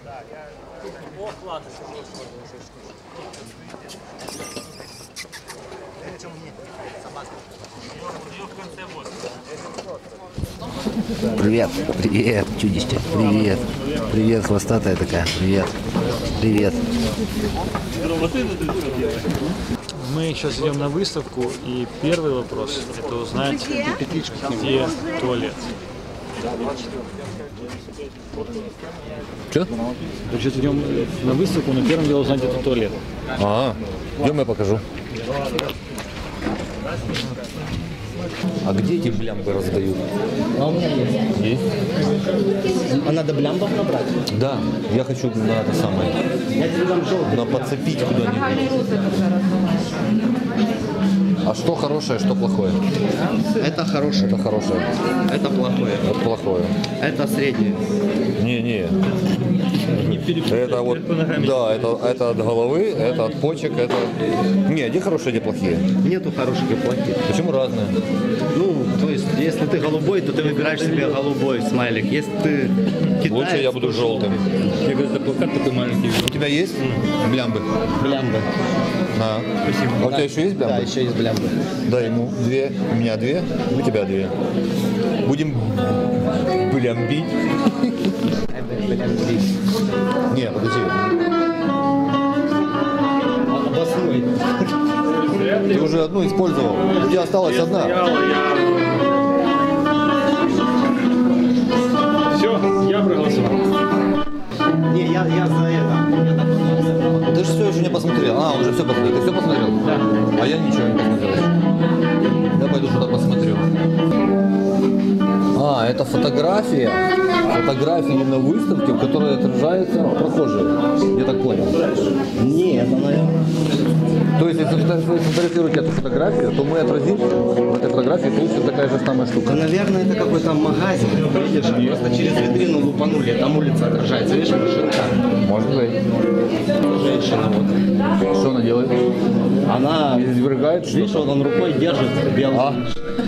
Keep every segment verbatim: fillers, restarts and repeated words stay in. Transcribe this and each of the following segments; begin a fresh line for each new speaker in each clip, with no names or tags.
О, класс.
Привет, привет, чудище, привет, привет, хвостатая такая, привет, привет.
Мы сейчас идем на выставку, и первый вопрос – это узнать, где туалет.
Че?
Мы сейчас идем на выставку, но первым делом узнать, где туалет.
А, идем, я покажу. А где эти блямбы раздают?
А у меня есть.
Есть?
А надо блямбов набрать?
Да, я хочу на это самое,
Я тебе дам желтый.
на подцепить куда-нибудь. А что хорошее, что плохое?
Это хорошее.
Это хорошее.
Это плохое.
Это плохое.
Это среднее.
Не-не. Это вот, да, это, это от головы, это от почек, это... Не, где хорошие, где плохие?
Нету хороших и плохих.
Почему разные?
Ну, то есть, если ты голубой, то ты выбираешь себе голубой смайлик. Если ты китаец...
Лучше я буду желтым.
Я говорю, это плакат такой маленький.
У тебя есть блямбы?
Блямбы.
На.
Спасибо.
А у тебя еще есть блямбы?
Да, еще есть блямбы.
Дай ему две, у меня две, у тебя две. Будем блямбить. Не, подожди.
Обоснуй.
Ты уже одну использовал. У тебя осталась одна.
Все, я проголосовал.
Не, я, я за это.
Ты же все еще не посмотрел. А, уже все посмотрел. Ты все посмотрел?
Да.
А я ничего не посмотрел. Я пойду что-то посмотрю. А, это фотография. Фотографии на выставке, в которой отражаются прохожие. Я так понял.
Нет, это, наверное...
То есть, если вы сфотографируете эту фотографию, то мы отразим в этой фотографии, получится такая же самая штука.
Да, наверное, это какой-то магазин. Видишь, просто через витрину лупанули, там улица отражается. Видишь, машинка.
Может быть.
Женщина вот.
Что она делает?
Она...
Извергает что-то?
Видишь, вот он рукой держит белый.
А?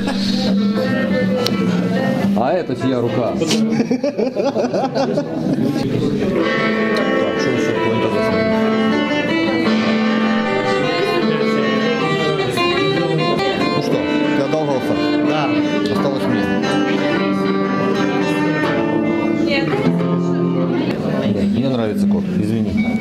А это чья рука? Так, что еще такое интересное? Ну что, ты одолжался?
Да.
Осталось мне.
Нет.
Мне нравится кот, извини.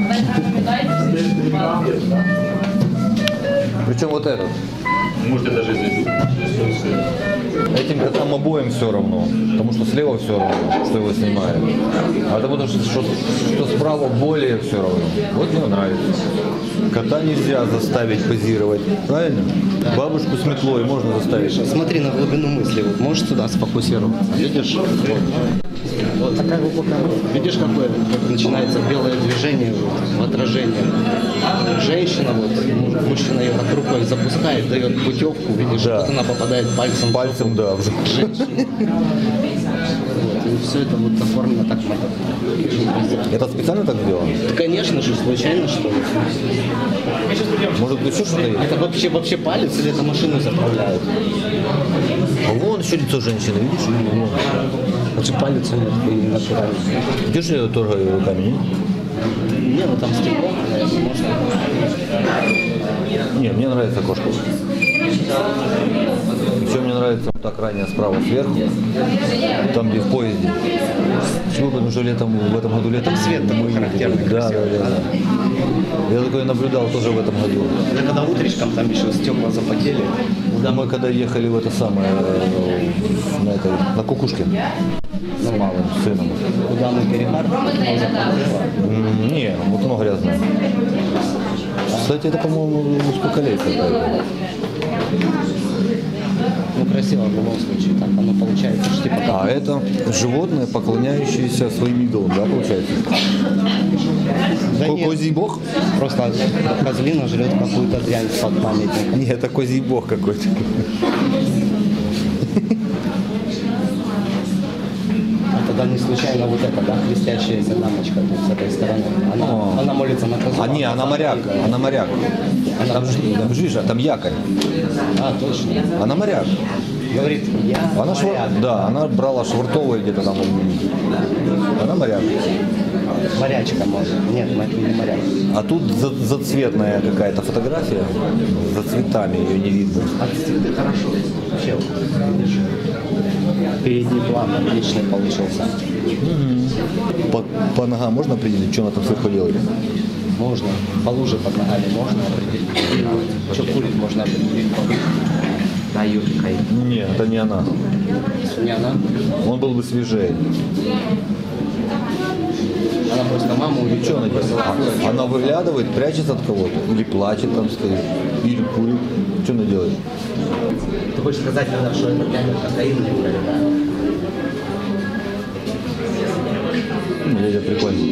Причем вот этот.
Можете даже извинить.
Этим котам обоим все равно, потому что слева все равно, что его снимают. А потому что, что, что справа более все равно. Вот мне нравится. Кота нельзя заставить позировать, правильно? Да. Бабушку с метлой можно заставить.
Смотри на глубину мысли. Вот можешь сюда сфокусировать. Видишь? Вот. Вот такая глубокая мысль. Видишь, какое как начинается белое движение вот, в отражении. Женщина, вот, мужчина ее так рукой запускает, дает путевку, видишь,
Да.
вот она попадает пальцем.
Пальцем, да. В
женщину. Вот, и все это вот оформлено так.
Это специально так сделано?
Да, конечно же, случайно что ли.
Может еще что-то есть?
Это вообще, вообще палец или это машину заправляют?
А вон еще лицо женщины, видишь? Вон.
Вообще палец у меня такой не натуральный.
Где же я ее торгаю руками, не?
Не, ну там стекло, наверное, можно.
Не, мне нравится кошка. Еще мне нравится вот так ранее справа сверху, там где в поезде. Почему? Потому что летом, в этом году летом...
Там свет такой характерный,
Да, да,
красивый.
да, да. Я такое наблюдал тоже в этом году.
Да, когда утречком там еще стекла запотели.
Да, мы когда ехали в это самое, на, этой, на Кукушке с малым сыном.
Куда мы перехар?
М, Не, окно грязное. Кстати, это, по-моему, сколько лет какая-то.
Ну, красиво в любом случае. Так оно получается, что типа как...
А это животное, поклоняющееся своим идолам, да, получается?
Да
Ко-
нет.
Козий бог?
Просто козлина жрет какую-то дрянь под памятником.
Нет, это козий бог какой-то.
А тогда не случайно вот эта, да, христиащаяся дамочка тут с этой стороны. Она,
О.
она молится на козу.
А не, она моряк, она моряк. Там же, там же, видишь, там якорь.
А, точно.
Она моряк.
Говорит, я
Она швар...
моряк.
Да, она брала швартовые где-то там. Она моряк.
Морячка можно. Нет, не морячка.
А тут за- зацветная какая-то фотография. За цветами ее не видно.
А цветы хорошо. Вообще, видишь, передний план отличный получился.
По, по ногам можно определить, что она там сверху делает?
Можно. По луже под ногами можно определить. Что курит, можно определить по луже. Да, Юрка.
Нет, это не она.
Не она.
Он был бы свежее.
Она просто мама увидела.
Что она делает? А- Она выглядывает, прячется от кого-то? Или плачет там стоит? Или курит? Что она делает?
Ты хочешь сказать, наверное, что это камера кокаин не говорит, да?
Ну, дядя прикольно.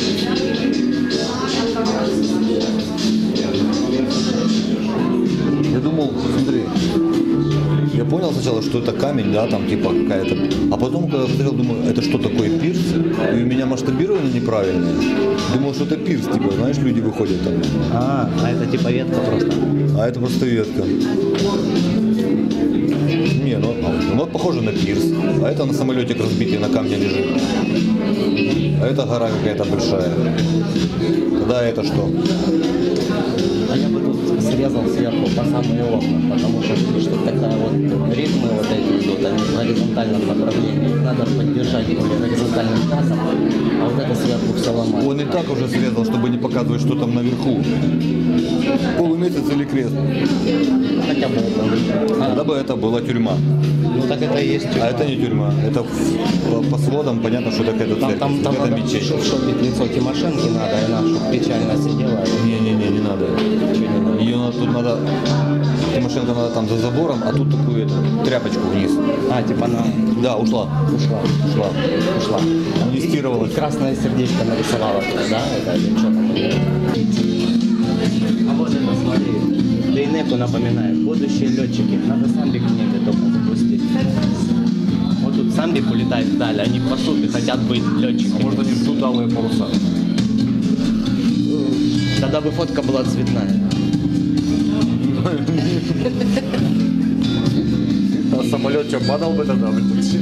Я думал, смотри, я понял сначала, что это камень, да, там типа какая-то. А потом, когда смотрел, думаю, это что такое, пирс? И у меня масштабирование неправильное. Думал, что это пирс, типа, знаешь, люди выходят там.
А, а это типа ветка просто.
А это просто ветка. Не, ну, ну вот похоже на пирс. А это на самолетик разбитый на камне лежит. А это гора какая-то большая. Тогда это что?
А я бы тут срезал сверху по самые окна, потому что что такая вот ритмы вот эти идут, они в горизонтальном направлении. Их надо поддержать более горизонтальным тазом, а вот это сверху все ломает.
Он и так уже срезал, чтобы не показывать, что там наверху. Полумесяц или крест.
Хотя бы это. А,
Тогда бы это была тюрьма.
ну так это и есть тюрьма.
А это не тюрьма. Это по, по сводам понятно, что это какая-то
Там,
церковь.
там, там
это
надо
мечеть.
шопить лицо Тимошенки надо, и она чтоб печально сидела.
Не-не-не, не надо. Ее надо, тут надо, Тимошенко надо там за забором, а тут такую эту, тряпочку вниз.
А, типа она
Да, ушла.
ушла.
Ушла.
Ушла.
Амнистировалась.
И красное сердечко нарисовала туда, да? Это или что там? А вот это, смотри, Дейнеку напоминает. Будущие летчики. Надо самбик в небе только запустить. Вот тут самбик улетает вдаль, они пасут и хотят быть летчиками.
Может, они ждут алые паруса.
Тогда бы фотка была цветная.
А самолет что, падал бы тогда?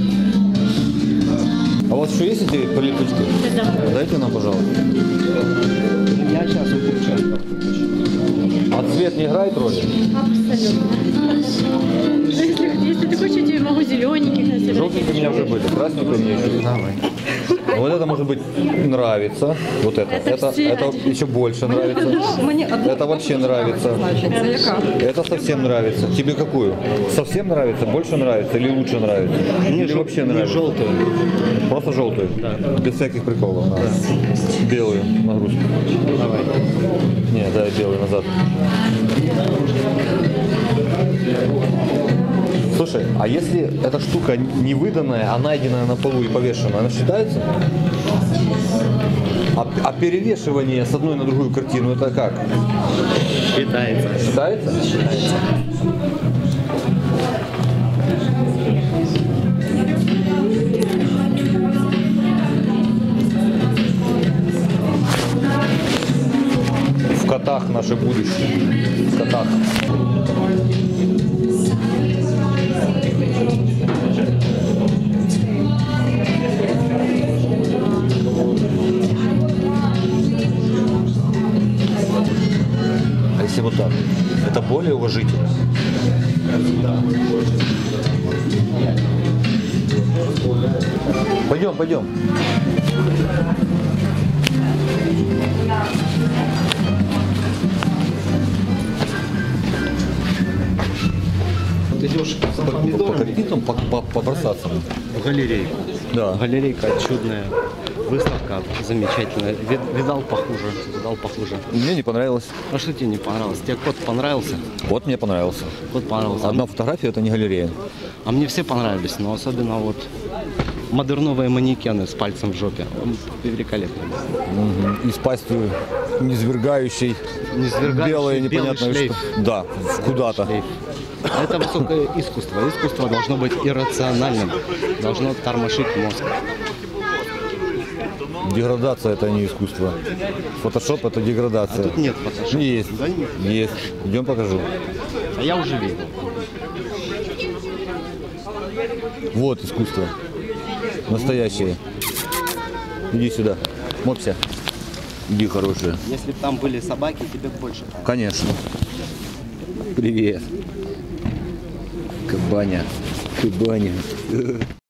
А у вас еще есть эти прилипучки?
Да.
Дайте нам, пожалуйста.
Я сейчас выключу.
А цвет не играет роли?
Абсолютно. Если, если ты хочешь, я тебе могу зелененьких на себя.
Желтенькие у меня уже были, красненькие у меня еще есть.
Давай.
Вот это может быть нравится. Вот это.
Это
Это,
все
это
один.
еще больше нравится.
Мені одну
Это вообще нравится.
значиться, яка?
Это совсем нравится. Тебе какую? Совсем нравится, больше нравится или лучше нравится? Или вообще нравится?
Желтую.
Просто желтую? Без всяких приколов. Да. Белую нагрузку.
Давай.
Не, дай белую назад. Слушай, а если эта штука не выданная, а найденная на полу и повешенная, она считается? А, а перевешивание с одной на другую картину, это как?
Считается.
Считается?
Считается.
В котах наше будущее. В котах. А если вот так? Это более уважительно. Пойдем, пойдем.
Ты идешь за
По
помидорами
кокпитам по- по- побросаться.
в галерейку.
Да.
Галерейка чудная. Выставка замечательная. Вид- Видал похуже. Видал похуже.
Мне не понравилось.
А что тебе не понравилось? Тебе кот понравился?
Вот мне понравился.
Кот понравился.
Одна фотография, это не галерея.
А мне все понравились, но особенно вот модерновые манекены с пальцем в жопе. Он великолепный.
Мгм. И с пастью низвергающей,
Низвергающий
белое
белый
непонятное
шлейф.
что. Да, в куда-то.
Шлейф. Это высокое искусство. Искусство должно быть иррациональным. Должно тормошить мозг.
Деградация это не искусство. Фотошоп это деградация.
А тут нет фотошопа.
Есть.
Да нет.
Есть. Идем покажу.
А я уже видел.
Вот искусство. Настоящее. Иди сюда. Мопся. Иди, хорошая.
Если бы там были собаки, тебе бы больше.
Конечно. Привет. Кабаня. Кабаня.